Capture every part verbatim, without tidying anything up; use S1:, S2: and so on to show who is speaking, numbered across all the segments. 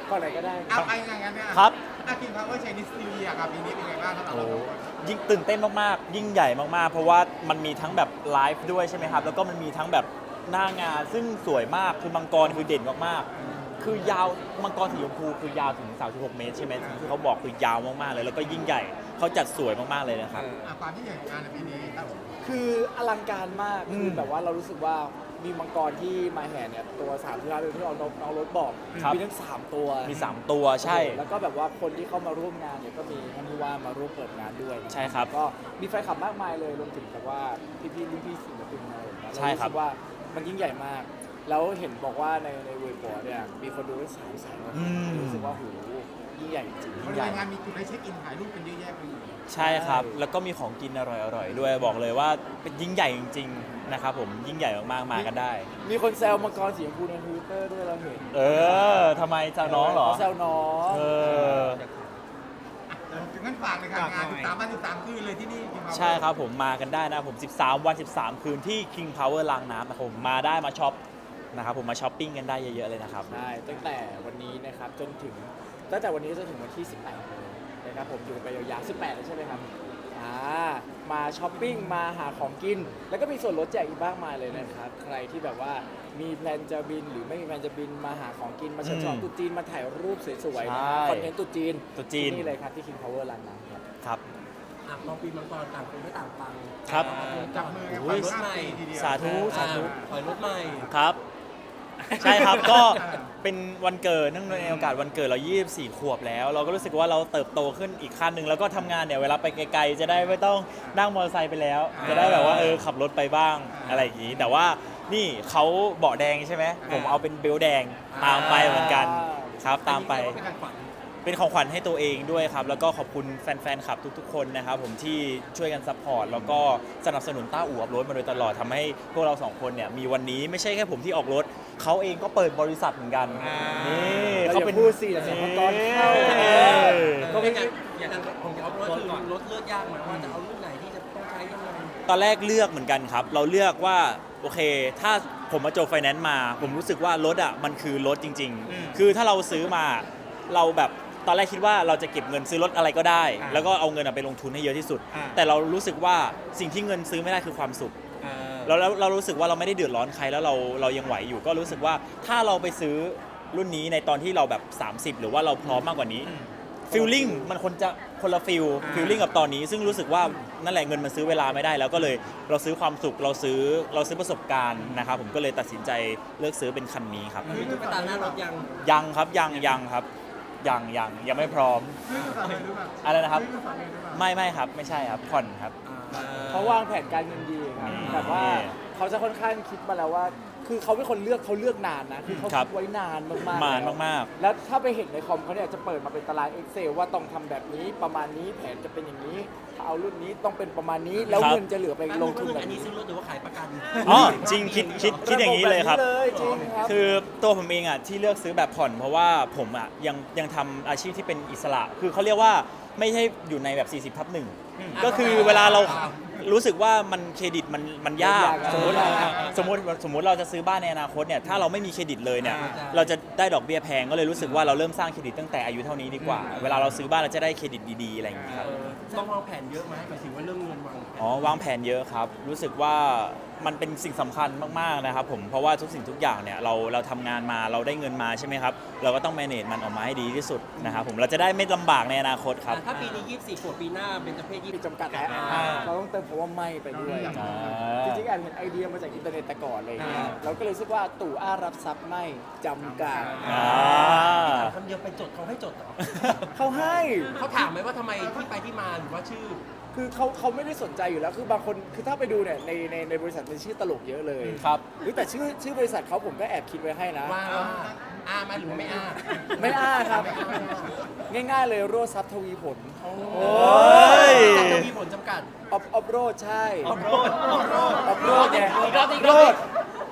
S1: ก่อนไหนก็ได้
S2: เอาไปอย่างนั้นเนี่ย
S3: ครับ
S2: อาคิงพาวเวอร์เชนิสนิวเยียร์ครับปีนี้เป็นไงบ้างสำหรับ
S3: โอ้
S2: เราสองคน
S3: ยิ่งตื่นเต้นมากๆ ยิ่งใหญ่มากๆ เพราะว่ามันมีทั้งแบบไลฟ์ด้วยใช่ไหมครับ แล้วก็มันมีทั้งแบบหน้างานซึ่งสวยมาก คือมังกรคือเด่นมากๆ คือยาวมังกรสีชมพูคือยาวถึงสามสิบหกเมตรใช่ไหมที่เขาบอกคือยาวมากๆเลย แล้วก็ยิ่งใหญ่เขาจัดสวยมากๆเลยนะครับ
S2: อ่ะความที่ใหญ่ของงานในปีนี้ครับผม
S1: คืออลังการมาก
S3: อืม
S1: คือแบบว่าเรารู้สึกว่ามีมังกรที่มาแห่เนี่ยตัวสามที่ร้านที่เราน้องน้องรถบอก
S3: ครับ
S1: มีทั้งสามตัว
S3: มีสามตัวใช่
S1: แล้วก็แบบว่าคนที่เข้ามาร่วมงานเนี่ยก็มีท่านผู้ว่ามาร่วมเปิดงานด้วยนะ
S3: ใช่ครับ
S1: ก็มีแฟนคลับมากมายเลยรวมถึงแบบว่าพี่ๆรุ่นพี่ศิลปินอะไรอย่างเงี้ย
S3: ใช่ครับ
S1: เาสึกว่ามันยิ่งใหญ่มาก แล้วเห็นบอกว่าในในเว็บบอร์ดเนี่ยมีคนดูได้สามแสนกว่าคน
S3: อืม
S1: รู้สึกว่าโหยิ่งใหญ่จริง
S2: บริเวณงานมีจุดให้เช็คอินถ่ายรูปกันเยอะแยะไปหมด
S3: ใช่ครับ
S1: ใช่
S3: แล้วก็มีของกินอร่อยๆด้วย บอกเลยว่าเป็นยิ่งใหญ่จริงๆ นะครับผม ยิ่งใหญ่มากๆ มากันได้
S1: มีคนแซวมังกรสีชมพูในทวิตเตอร์ด้วยเราเห็น
S3: เออทำไมจะน้องเหรอ
S1: ขาแซวน้อง
S3: เออ
S2: ถึงงั้นฝากเลยครับงานสิบสามวันสิบสามคืนเลยที่นี่ King Power
S3: ใช่ครับผมมากันได้นะผม สิบสาม วัน สิบสาม คืนที่ King Power ลางน้ำนะครับผมมาได้มาช็อปนะครับผมมาช้อปปิ้งกันได้เยอะๆเลยนะครับ
S1: ใช่ตั้งแต่วันนี้นะครับจนถึงตั้งแต่วันนี้จนถึงวันที่สิบแปดเลยนะครับผมอยู่ไปยาวๆสิบแปดเลยใช่ไหมครับอ่ามาช้อปปิ้งมาหาของกิน แล้วก็มีส่วนลดแจกอีกมากมายเลยนะครับใครที่แบบว่ามีแพลนจะบินหรือไม่มีแพลนจะบินมาหาของกินมาเชิญชวน
S3: อืม
S1: ตุ๊จีนมาถ่ายรูปสวยๆ
S3: ใช่
S1: นะคอนเทนต์ตุ๊จีน
S3: ตุ๊จีน
S1: ที่นี่เลยครับที่ King Power ลานน้ำครับ
S3: ครับ
S4: อ่ะพอปีมังกรต่างคนไม่ต่างฟัง
S3: ครับ
S2: จับมือกัน
S3: โอ้
S2: ไป
S3: ย
S2: รถใหม่ทีเดียว
S3: สาธุสาธุ
S4: ถอยรถใหม่
S3: ครับ ใช่ครับ ก็เป็นวันเกิดเนื่องในโอกาสวันเกิดเรา ยี่สิบสี่ ขวบแล้ว เราก็รู้สึกว่าเราเติบโตขึ้นอีกขั้นหนึ่งแล้วก็ทำงานเนี่ยเวลาไปไกลๆจะได้ไม่ต้องนั่งมอเตอร์ไซค์ไปแล้ว จะได้แบบว่าเออขับรถไปบ้างอะไรอย่างนี้ แต่ว่านี่เขาเบาะแดงใช่ไหมผมเอาเป็นเบลต์แดงตามไปเหมือนกันครับตามไป
S4: อันนี้เรียกว่าเป็นการฝัน
S3: เป็นของขวัญให้ตัวเองด้วยครับ แล้วก็ขอบคุณแฟนๆคลับทุกๆ คนนะครับผมที่ช่วยกันซัพพอร์ตแล้วก็สนับสนุนต้าอู่อัพรถมาโดยตลอดทำให้พวกเราสองคนเนี่ยมีวันนี้ไม่ใช่แค่ผมที่ออกรถ เขาเองก็เปิดบริษัทเหมือนกัน นี่
S1: เรา
S3: เขา
S1: อย่า
S3: เป็น
S1: พูดสิเดี๋ยวเสียงมังกรเข้า
S3: เออ
S4: ก็เป็นอย่างอย่างของเอารถคือรถเลือกยากไหมว่าจะเอารุ่นไหนที่จะต้องใช้ยังไง
S3: ตอนแรกเลือกเหมือนกันครับ เราเลือกว่าโอเค ถ้าผมมาจบไฟแนนซ์มา ผมรู้สึกว่ารถอ่ะมันคือรถจริง ๆ คือถ้าเราซื้อมาเราแบบตอนแรกคิดว่าเราจะเก็บเงินซื้อรถอะไรก็ได้ แล้วก็เอาเงินอะไปลงทุนให้เยอะที่สุด แต่เรารู้สึกว่าสิ่งที่เงินซื้อไม่ได้คือความสุข แล้วแล้วเรารู้สึกว่าเราไม่ได้เดือดร้อนใครแล้วเราเรายังไหวอยู่ก็รู้สึกว่าถ้าเราไปซื้อรุ่นนี้ในตอนที่เราแบบ สามสิบ หรือว่าเราพร้อมมากกว่านี้ฟีลลิ่งมันคนจะคนละฟีลฟีลลิ่งกับตอนนี้ ซึ่งรู้สึกว่านั่นแหละเงินมันซื้อเวลาไม่ได้ แล้วก็เลยเราซื้อความสุขเราซื้อเราซื้อประสบการณ์นะครับผมก็เลยตัดสินใจเลือกซื้อเป็นคันนี้ครับ
S4: มีตุ๊กตาหน้ารถยัง
S3: ยังครับยังยังครับยังยังยังไม่พร้อม
S2: ซื้อมาฝากเลยหรือเปล่า
S3: อะไรนะครับ
S2: ซื้อมาฝากเลยหรือเปล่า
S3: ไม่ไม่ครับไม่ใช่ครับผ่อนครับ
S1: เขาวางแผนการเงินดีครับ
S3: อืม
S1: แบบว่าเขาจะค่อนข้างคิดมาแล้วว่า คือเขาเป็นคนเลือกเขาเลือกนานนะ คือเขา
S3: ครั
S1: คิ
S3: บ
S1: ดไว้นานมากๆ
S3: นาน
S1: แล้ว
S3: มาก
S1: แล้วถ้าไปเห็นในคอมเขาเนี่ยจะเปิดมาเป็นตาราง Excel ว่าต้องทำแบบนี้ประมาณนี้แผนจะเป็นอย่างนี้ถ้าเอารุ่นนี้ต้องเป็นประมาณนี้ แล้ว
S3: ครับ
S1: เงินจะเหลือไปลงทุนแบ
S4: อั
S1: บ
S4: นนี้
S1: นี้
S4: ซื้อรถหรือว่าขายประกัน
S3: อ๋อจริงคิดคิดคิดอย่างนี้เลยครับ
S1: ะบบแบบเลยจริงครับ
S3: คือตัวผมเองอ่ะที่เลือกซื้อแบบผ่อนเพราะว่าผมอ่ะยังยังทำอาชีพที่เป็นอิสระ คือเขาเรียกว่าไม่ใช่อยู่ในแบบ สี่สิบทับหนึ่งก็คือเวลาเรารู้สึกว่ามันเครดิตมันมันยาก
S1: มันยาก
S3: สมมติ
S1: มันยาก
S3: สมมติสมมติเราจะซื้อบ้านในอนาคตเนี่ยถ้าเราไม่มีเครดิตเลยเนี่ย
S4: อ่า
S3: เราจะได้ดอกเบี้ยแพงก็เลยรู้สึกว่าเราเริ่มสร้างเครดิตตั้งแต่อายุเท่านี้ดีกว่า เวลาเราซื้อบ้านเราจะได้เครดิตดีๆอะไรอย่างเงี้ยครับ
S4: เออต้องวางแผนเยอะไหมหมายถึงว่าเรื่องเงินวางแผน
S3: อ๋อวางแผนเยอะครับ รู้สึกว่ามันเป็นสิ่งสำคัญมากๆนะครับผมเพราะว่าทุกสิ่งทุกอย่างเนี่ยเราเราทำงานมาเราได้เงินมาใช่ไหมครับเราก็ต้อง manage มันออกมาให้ดีที่สุดนะครับผมเราจะได้ไม่ลำบากในอนาคตครับ
S4: อ่ะถ้าปีนี้ยี่สิบสี่ขวบปีหน้าเป็นจเพศยี่
S1: มี
S4: สิบ
S1: จำกัดแล้ว
S4: อ่า
S1: เราต้องเติมคำว่าไม่ไปด้วย
S3: อ่า
S1: จริงๆแอบเห็นไอเดียมาจากอินเทอร์เน็ตแต่ก่อนอะไรอย่างเลยเราก็เลยรู้สึกว่าตู่อ้ารับทรัพย์ไม่จำกัด
S3: อ่า
S4: คำเดียวไปจดเขาให้จดเหรอ
S1: เขาให้
S4: เขาถามไหมว่าทำไมที่ไปที่มาหรือว่าชื่อ
S1: คือเขาเขาไม่ได้สนใจอยู่แล้ว คือบางคน คือถ้าไปดูเนี่ยในในในบริษัทมีชื่อตลกเยอะเลย
S3: ครับ
S1: หรือแต่ชื่อชื่อบริษัทเขาผมก็แอบคิดไว้ให้นะ
S4: ว่าว่าอามาหรือว่าไม่อา
S1: ไม่อ้าครับ ง่ายๆเลยโรดทรัพย์ทวีผล
S4: โอ้
S3: ย
S4: จะมีผลจำกัด
S1: ออฟออฟโรดใช่
S4: ออฟโรดออฟโรด
S1: ออฟโรดไง
S4: อีกรอบอีกร
S1: โร
S4: อบ
S1: ด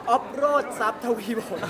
S1: ออฟโรดซับทวีผล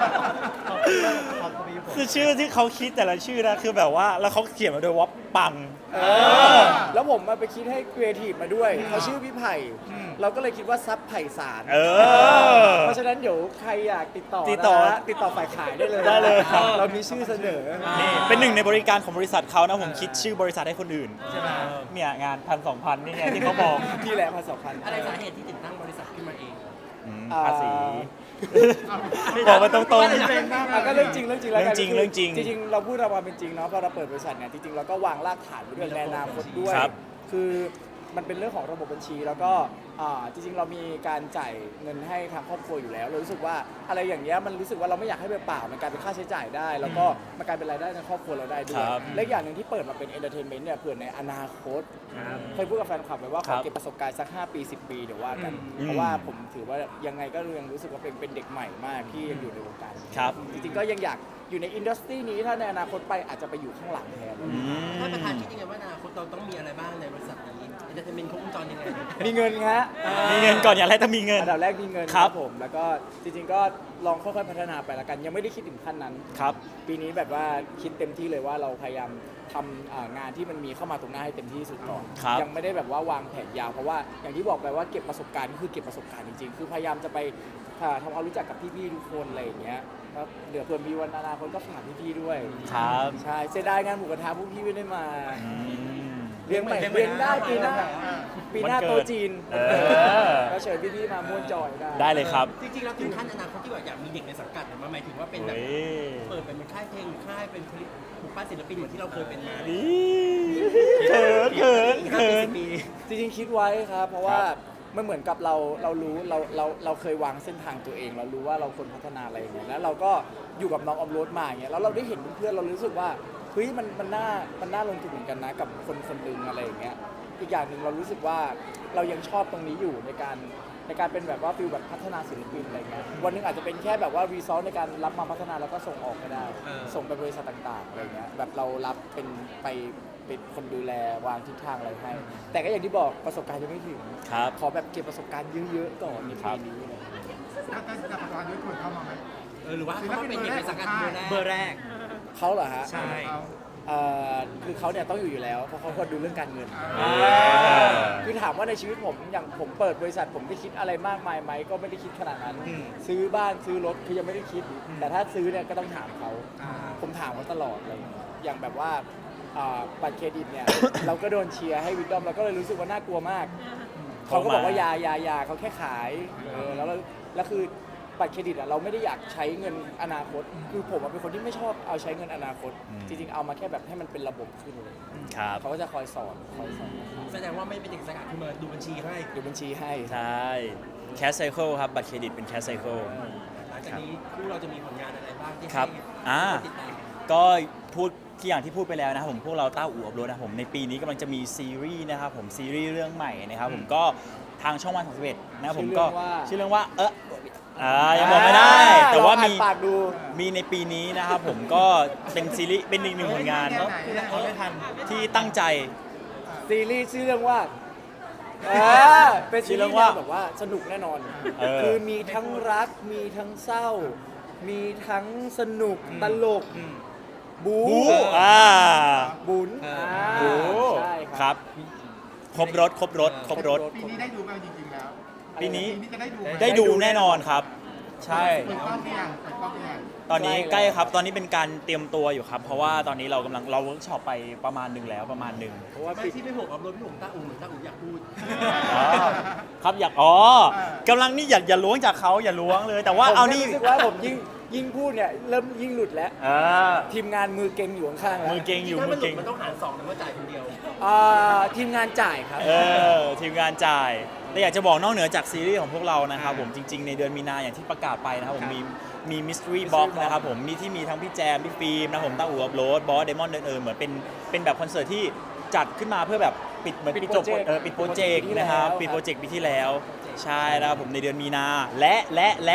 S3: คือชื่อที่เขาคิดแต่ละชื่อนะคือแบบว่าแล้วเขาเขียนมาด้วยว่าปัง
S1: เออแล้วผมมาไปคิดให้ครีเอทีฟมาด้วยเขาชื่อพี่ไผ่เราก็เลยคิดว่าซับไผ่สาร
S3: เออ
S1: เพราะฉะนั้นเดี๋ยวใครอยากติดต่อ
S3: ติดต่อ
S1: นะฮะติดต่อฝ่ายขายได้เลย
S3: ได้เลยครับ
S1: เรามีชื่อเสนอ
S3: นี่เป็นหนึ่งในบริการของบริษัทเขานะผมคิดชื่อบริษัทให้คนอื่นใช่ไหมเนี่ยงานพันสองพันนี่ไงที่เขาบอก
S1: ที่แหละพันสองพัน
S4: อะไรสาเหตุที่ติดตั้งบริษัทขึ้นมาเอง
S3: อืม
S1: อ่า
S3: ภาษีบอกมาตรง
S1: อ่ะก็เรื่องจริงเรื่องจริงแล้วกัน
S3: เรื่องจริง
S1: คือ
S3: เรื่องจริง
S1: จริงๆเราพูดเรามาเป็นจริงเนาะพอเราเปิดบริษัทเนี่ยจริงๆเราก็วางรากฐานไว้ด้วยในอนาคตด้วย
S3: ครับ
S1: คือมันเป็นเรื่องของระบบบัญชีแล้วก็อ่าจริงๆเรามีการจ่ายเงินให้ทางครอบครัวอยู่แล้วเรารู้สึกว่าอะไรอย่างเงี้ยมันรู้สึกว่าเราไม่อยากให้เปล่าๆมันกลายเป็นค่าใช้จ่ายได้ แล้วก็มันกลายเป็นรายได้ในครอบครัวเราได้ด้วย
S3: ครับ
S1: และอีกอย่างหนึ่งที่เปิดมาเป็นเอนเตอร์เทนเมนต์เนี่ยเผื่อในอนาคตเคยพูดกับแฟนคลับไว้ว่าข
S3: ครั
S1: อบ เก็บประสบการณ์สักห้าปีสิบปีเดี๋ยวว่ากัน
S3: อืม
S1: เพราะว่าผมถือว่ายังไงก็ยังรู้สึกว่าเป็นเป็นเด็กใหม่มากที่ยังอยู่ในวงการ
S3: ครับ
S1: จริงๆก็ยังอยากอยู่ในอินดัสทรีนี้ถ้าในอนาคตไปอาจจะไปอยู่ข้างหลังแทน
S3: อืม
S4: ท่านประธานคิดยังไงว่าอนาคตเราต้องมีอะไรบ้างในบริษัทนี้เอนเตอร์เทนเมนต์ครบวงจรยังไง
S1: มีเงินฮะ
S3: มีเงินก่อนอย่างแรกต้องมีเงิน
S1: อันดับแรกมีเงิน
S3: ครับ
S1: ผม แล้วก็จริงๆก็ลองค่อยๆพัฒนาไปละกัน ยังไม่ได้คิดถึงขั้นนั้น
S3: ครับ
S1: ปีนี้แบบว่าคิดเต็มที่เลยว่าเราพยายามทำอ่างานที่มันมีเข้ามาตรงหน้าให้เต็มที่สุดก่อน
S3: ครับ
S1: ยังไม่ได้แบบว่าวางแผนยาวเพราะว่าอย่างที่บอกไปว่าเก็บประสบการณ์ก็คือเก็บประสบการณ์จริงๆ คือพยายามจะไปอ่าทำความรู้จักกับพี่ๆทุกคนอะไรอย่างเงี้ยแล้วเดี๋ยวเผื่อมีวันอนาคตก็ฝากพี่ๆด้วย
S3: ครับ
S1: ใช่เสียดายงานหมูกระทะพวกพี่ไม่ได้มา
S3: อืม
S1: เลี้ยงใหม่เลี้ยงได้ปีหน้าปีหน้า
S3: วันเกิด
S1: โต๊ะจีน
S3: เออ
S1: ก็เชิญพี่ๆมาม่วนจอยได้
S3: ได้เลยครับ
S4: จริงๆเราถึงขั้นอนาคตที่แบบอยากมีเด็กในสังกัดหรือมันหมายถึงว่าเป็นแบบ
S3: เฮ้ย
S4: เปิดเป็นค่ายเพลงหรือค่ายเป็นผลิตผูกป้าศิลปินเหมือนที่เราเคยเป็นมา
S3: อีเขินเขิน
S4: อีกห้า
S3: เขิ
S4: ปี
S3: น
S4: สิบปี
S1: จริงๆคิดไว้ครับ เพราะว่า
S3: ครับ
S1: มันเหมือนกับเราเรารู้เราเราเราเคยวางเส้นทางตัวเอง เรารู้ว่าเราควรพัฒนาอะไรอย่างเงี้ยแล้วเราก็อยู่กับน้องออมโรดมาอย่างเงี้ยแล้วเราได้เห็นเพื่อนๆเรารู้สึกว่าเฮ้ยมันมันน่ามันน่าลงทุนเหมือนกันนะกับคนคนหนึ่งอะไรอย่างเงี้ยอีกอย่างหนึ่งเรารู้สึกว่าเรายังชอบตรงนี้อยู่ในการในการเป็นแบบว่าฟิลแบบพัฒนาศิลปินอะไรเงี้ยวันหนึงอาจจะเป็นแค่แบบว่ารีซอสในการรับมาพัฒนาแล้วก็ส่งออกก็ได้
S4: เออ
S1: ส่งไปบริษัทต่างๆอะไรเงี้ยแบบเรารับเป็นไปเป็นคนดูแลวางทิศทางอะไรให้ แต่ก็อย่างที่บอกประสบการณ์ยังไม่ถึง
S3: ครับ
S1: ขอแบบเก็บประสบการณ์เยอะๆก่อนใน
S3: ครั
S1: ปี
S3: บ
S1: นี้เลย
S2: ถ้าถ้าจะประกอบด้วยคนเข้ามาไหม
S4: เออหรือว่าเขาเป็นเด็กในสังกัดเบอร์แรก
S1: เขาเหรอฮะ
S4: ใช่
S2: เอา
S1: เอ่อคือเขาเนี่ยต้องอยู่อยู่แล้ว เพราะเขาควรดูเรื่องการเงิน
S2: อ่า
S1: คือถามว่าในชีวิตผมอย่างผมเปิดบริษัทผมได้คิดอะไรมากมายไหมก็ไม่ได้คิดขนาดนั้น ซื้อบ้านซื้อรถคือยังไม่ได้คิด แต่ถ้าซื้อเนี่ยก็ต้องถามเขา
S2: อ่า
S1: ผมถามเขาตลอดอะไรอย่างเลยอย่างแบบว่าอ่าบัตรเครดิตเนี่ย เราก็โดนเชียร์ให้วิดดอมเราก็เลยรู้สึกว่าน่ากลัวมาก เขาก็บอกว่ายายายาเขาแค่ขายเออแล้วเราแล้วคือบัตรเครดิตอะเราไม่ได้อยากใช้เงินอนาคต คือผมอะเป็นคนที่ไม่ชอบเอาใช้เงินอนาคต
S3: อืม
S1: จริงๆเอามาแค่แบบให้มันเป็นระบบขึ้นเลย
S3: ครับ
S1: เขาก็จะคอยสอนคอยสอน
S4: แสดงว่าไม่เป็นเด็กสังกัดคือมาดูบัญชีให้
S1: ดูบัญชีให้
S3: ใช่ แคสไซเคิลครับ บัตรเครดิตเป็นแคสไซเคิล
S4: หลังจากนี้คู่เราจะมีผลงานอะไรบ้างที่
S3: ครับ
S4: ให้
S3: อ่า
S4: ติดตาม
S3: ก็พูดที่อย่างที่พูดไปแล้วนะครับผมพวกเราเต้าอู่อับรถนะครับผมในปีนี้กำลังจะมีซีรีส์นะครับผมซีรีส์เรื่องใหม่นะครับผมก็ทางช่องวันสามสิบเอ็ดนะครับผมก็ชื่อเรื่องว่าเอออ่ายังบอกไม่ได้ แต่ว่ามี
S1: ลองอ่นปากดู
S3: มีในปีนี้นะครับผมก็เป็นซีรีส์เป็นอีกหนึ่งผลงาน
S2: เรื่องไหน
S4: เขาไม่ทัน
S3: ที่ตั้งใจ
S1: ซีรีส์ชื่อเรื่องว่าเออเป็นซีรีส์แนวแบบว่าสนุกแน่นอน
S3: เออ
S1: คือมีทั้งรักมีทั้งเศร้า มีทั้งสนุกตลกบู
S3: บูอ่า
S1: บุญ
S4: อ่า
S1: อ่า
S3: บู
S1: ใช่
S3: ค
S1: ค
S3: รั
S1: รับ
S3: ครบรถครบรถครบรถ
S2: ปีนี้ได้ดูกันจริงๆแล้ว
S3: ปีนี้
S2: ปีนี้จะได้ดูไหม
S3: ได้ดูแน่นอนครับ ใช่
S2: เปิดกล้องหรือยังเปิดกล้องหรือยัง
S3: ตอนนี้ใกล้ครับ ตอนนี้เป็นการเตรียมตัวอยู่ครับ เพราะว่าตอนนี้เรากำลังเราเวิร์กช็อปไปประมาณหนึ่งแล้วประมาณหนึ่ง
S1: เพราะว่า
S4: ไม่
S1: ปิด
S4: ที่ไม่ห่วงอัพโหลดพี่ห่วงต้าอู่เหมือนต้าอู่อยากพูด
S3: อ๋อครับอยากอ๋อกำลังนี่อยากอย่าล้วงจากเขาอย่าล้วงเลย แต่ว่าเอานี่
S1: ผมแค่รู้สึกว่าผมยิ่งยิ่งพูดเนี่ยเริ่มยิ่งหลุดแล้ว
S3: อ่า
S1: ทีมงานมือเก่งอยู่ข้างๆแล้ว
S3: มือเก่งอยู่
S4: ถ้า
S3: มื
S4: มัน
S3: อ
S4: หลุ
S3: เก่
S4: ด
S3: ง
S4: มันต้องหารสองหรือว่าจ่ายคนเดียว
S1: อ่าทีมงานจ่ายครับ
S3: เออทีมงานจ่ายแต่อยากจะบอกนอกเหนือจากซีรีส์ของพวกเรานะครับผมจริง ๆ ในเดือนมีนาอย่างที่ประกาศไปนะครับผมมีมีมิส t รีบ็อก
S1: Box
S3: นะครับผมมีที่มีทั้งพี่แจมพี่ฟิล์มนะครับผมต้าอู่อัพโหลดบอสเดมอนเดินเออเหมือนเป็นเป็นแบบคอนเสิร์ตที่จัดขึ้นมาเพื่อแบบปิดเหมือน
S1: ปิ
S3: ปิ
S1: ด
S3: ดจบ
S1: โปรเจกต์
S3: เออปิดโปรเจกต์
S1: ปิดโปรเจกต์ปีที่
S3: นะครับ
S1: แล้ว
S3: ปิดโปรเจกต์ปีที่แล้ว ใช่นะครับผมในเดือนมีนาและและและ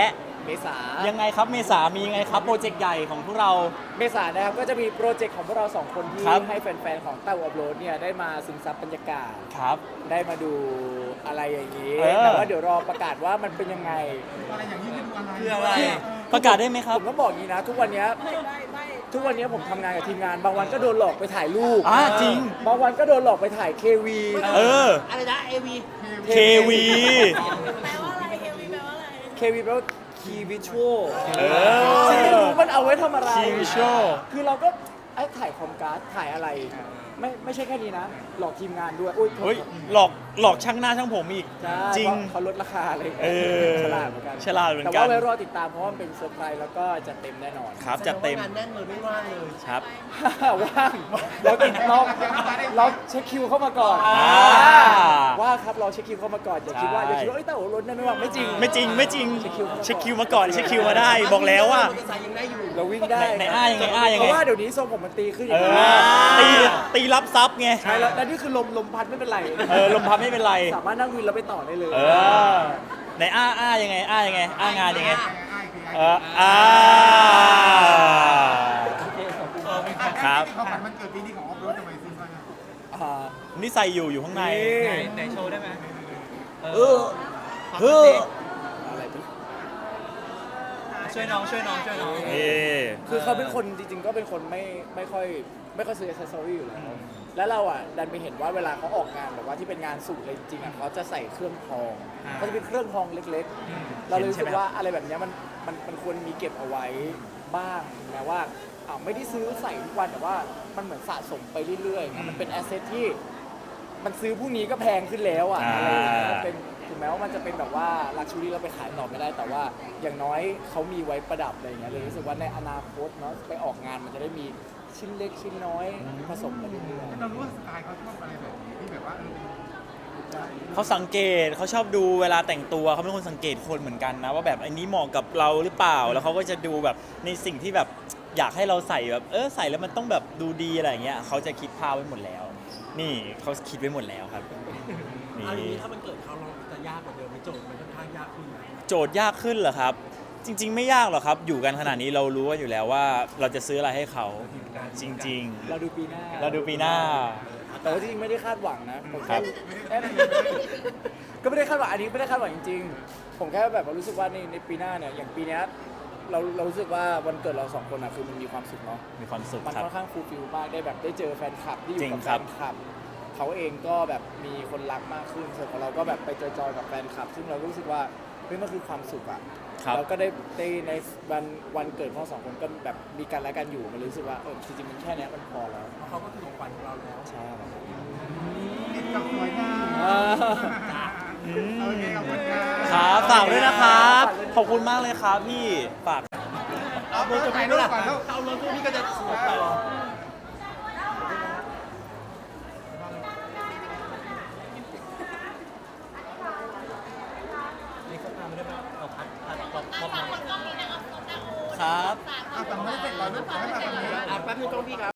S1: เมษา
S3: ยังไงครับเมษามียังไงครับโปรเจกต์ใหญ่ของพวกเรา
S1: เมษานะครับก็จะมีโปรเจกต์ของพวกเราสองคนที่
S3: ครับ
S1: ให้แฟนๆของเต้าอัพโหลดเนี่ยได้มาซึมซับบรรยากาศ
S3: ครับ
S1: ได้มาดูอะไรอย่างนี้
S3: เออ
S1: แต่ว่าเดี๋ยวรอประกาศว่ามันเป็นยังไง
S2: อะไรอย่างนี้คืออะไร
S4: คืออะไร
S3: ประกาศได้ไหมครับ
S1: ผมก็บอกอย่างนี้นะ ทุกวันเนี้ยทุกวันเนี้ยผมทำงานกับทีมงาน บางวันก็โดนหลอกไปถ่ายรูป
S3: อ่าจริง
S1: บางวันก็โดนหลอกไปถ่ายเควี
S3: เออ
S4: อะไรนะเอวี
S3: เควี
S5: แปลว่าอะไรเฮลวีแปลว่าอะไร
S1: เควีแปลว่าคีวิชวล
S3: เออ
S1: ซึ่งไม่รู้มันเอาไว้ทำอะไร
S3: Key Visual
S1: คือเราก็ไอ้ถ่ายคอมการ์ดถ่ายอะไร ไม่ไม่ใช่แค่นี้นะ หลอกทีมงานด้วยอุ้ย
S3: เฮ้ยหลอกหลอกช่างหน้าช่างผมอีก
S1: ใช่
S3: จริง
S1: เพาะเขาลดราคาเลย
S3: เออ
S1: ฉลาดเหมือนกัน
S3: ฉลาดเหมือนกัน
S1: แต่ว่าไว้รอติดตามเพราะว่ามันเป็นเซอร์ไพรส์แล้วก็จะเต็มแน่นอน
S3: ครับจัดเต็ม
S4: งานแน่นเลยไม่ว่างเลย
S3: ครับ
S1: ว่างเราติดเราเราเช็คคิวเข้ามาก่อน
S3: อ่า
S1: ว่าครับเราเช็คคิวเข้ามาก่อนอย่าคิดว่าอย่าคิดว่าเอ้ยแต่โอ้ล้นได้ไม่ว่างไม่จริง
S3: ไม่จริงไม่จริง
S1: เช็คคิว
S3: เช็คคิวมาก่อนเช็คคิวมาได้บอกแล้วว่า
S4: มอเตอร์ไซค์ยังได้อยู่
S1: เราวิ่งได้
S3: ไหนอ้ายังไงอ้ายังไง
S1: เพราะว่าเดี๋ยวนี้ทรงผมมันตีขึ้นอ
S3: เอย่าง
S1: นี้
S3: อตีตีรับซับไง
S1: ใช่แล้วแล้วนี่คือลมลมพัดไม่เป็นไร
S3: เออลมพัดไม่เป็นไร
S1: สามารถนั่งวินแล้วไปต่อได้เลย
S3: เออไหนอ้าอ้ายังไงอ้ายังไงอ้างานยังไง
S2: อ้ายคือ
S3: เอ
S2: อ้าย
S3: ออ่า
S1: โอเคขอบคุณ
S3: ครับ
S2: เขาฝันมันเกิดปีนี้ของออฟโรดทำไมซื้อมา
S1: อ่า
S3: นี่ใส่อยู่อยู่ข้างใน
S1: นี่
S4: ไหนโชว์ได้ไหม
S3: เออเฮ้อ
S1: อะไรเป็น
S4: ช่วยน้องช่วยน้องช่วยน้อง
S3: เอ๊ะ
S1: คือเขาเป็นคนจริงๆก็เป็นคนไม่ไม่ค่อยไม่ค่อยซื้ออิสซอรี่อยู่แล้ว แล้วเราอ่ะดันไปเห็นว่าเวลาเขาออกงานแบบว่าที่เป็นงานสูตรเลยจริงๆอ่ะเขาจะใส่เครื่องทองเขาจะเป็นเครื่องทองเล็กๆ เราเลยรู้สึกว่าอะไรแบบเนี้ยมันมันมันควรมีเก็บเอาไว้บ้างแม้ว่าอ่าไม่ได้ซื้อใส่ทุกวันแต่ว่ามันเหมือนสะสมไปเรื่อยๆมันเป็นแอสเซทที่มันซื้อพรุ่งนี้ก็แพงขึ้นแล้วอ่ะอะไรอย่างเงี้ยมันเป็นถึงแม้ว่ามันจะเป็นแบบว่าลักชูรี่เราไปขายต่อไม่ได้ แต่ว่าอย่างน้อยเขามีไว้ประดับอะไรอย่างเงี้ยเลยรู้สึกว่าในอนาคตเนาะไปออกงานมันจะได้มีชิ้นเล็กชิ้นน้อยผสมกันเรื่อยๆ
S2: เรารู้ว่าสไตล์เขาชอบอะไรแบบนี้ที่แบบว่าเออเป็น
S3: เขาสังเกตเขาชอบดูเวลาแต่งตัวเขาเป็นคนสังเกตคนเหมือนกันนะว่าแบบอันนี้เหมาะกับเราหรือเปล่า แล้วเขาก็จะดูแบบในสิ่งที่แบบอยากให้เราใส่แบบเออใส่แล้วมันต้องแบบดูดีอะไรอย่างเงี้ยเขาจะคิดภาพไว้หมดแล้ว นี่เขาคิดไว้หมดแล้วครับนี่
S4: อันนี้ถ้ามันเกิดเขาเราจะยากกว่าเดิมไหมโจทย์มันค่อนข้างยากขึ้นไหม
S3: โจทย์ยากขึ้นเหรอครับ จริง ๆ ไม่ยากหรอกครับ อยู่กันขนาดนี้เรารู้ว่าอยู่แล้วว่าเราจะซื้ออะไรให้เขาจริง
S1: เราดูปีหน้า
S3: ๆ เราดูปีหน้า
S1: แต่ว่าจริงๆไม่ได้คาดหวังนะผมแค่แค่ก็ไม่ได้คาดหวังอันนี้ไม่ได้คาดหวังจริงๆ ผมแค่แบบว่ารู้สึกว่าในในปีหน้าเนี่ยอย่างปีเนี้ยเราเรารู้สึกว่าวันเกิดเราสองคนอะคือมันมีความสุขเนาะ
S3: มีความสุข
S1: มัน
S3: ครับ
S1: ค่อนข้างฟูลฟิลมากได้แบบได้เจอแฟนคลับที่อ
S3: จริ
S1: ยู่
S3: ง
S1: กับ
S3: ค
S1: แฟ
S3: รับ
S1: นคลับเขาเองก็แบบมีคนรักมากขึ้นส่วนของเราก็แบบไปจอยๆกับแฟนคลับ ซึ่งเราก็รู้สึกว่าเฮ้ยมันคือความสุขอะ
S3: ครับ
S1: แล้วก็ได้ได้ในวันวันเกิดของเราสองคนก็แบบมีกันและกันอยู่มันเลยรู้สึกว่าเออจริงๆมันแค่เนี้ยมันพอแล้ว
S4: เพราะเขาก็คือของขวัญของเราแล้ว
S1: ใช่ครับ
S2: ติดกับสวยงาม
S1: อ่า
S2: โอเคขอบคุณครับ
S3: ครับฝากด้วยนะครับ ขอบคุณมากเลยครับพี่ฝาก
S2: เอาเบอร์จะไปด้วยก่อนแล้ว
S4: เอารถพวกนี้ก็จะสวยต่อนี่เขาทำไม่ได้ไหมเอาพัดพัดป๊อปป๊อปมา
S3: ครับ
S2: เอาแต่ไม่ได้เสร็จก่อนลูกขอให้แบบนี้
S4: อ่ะแป๊บนึงกล้องพี่ครับ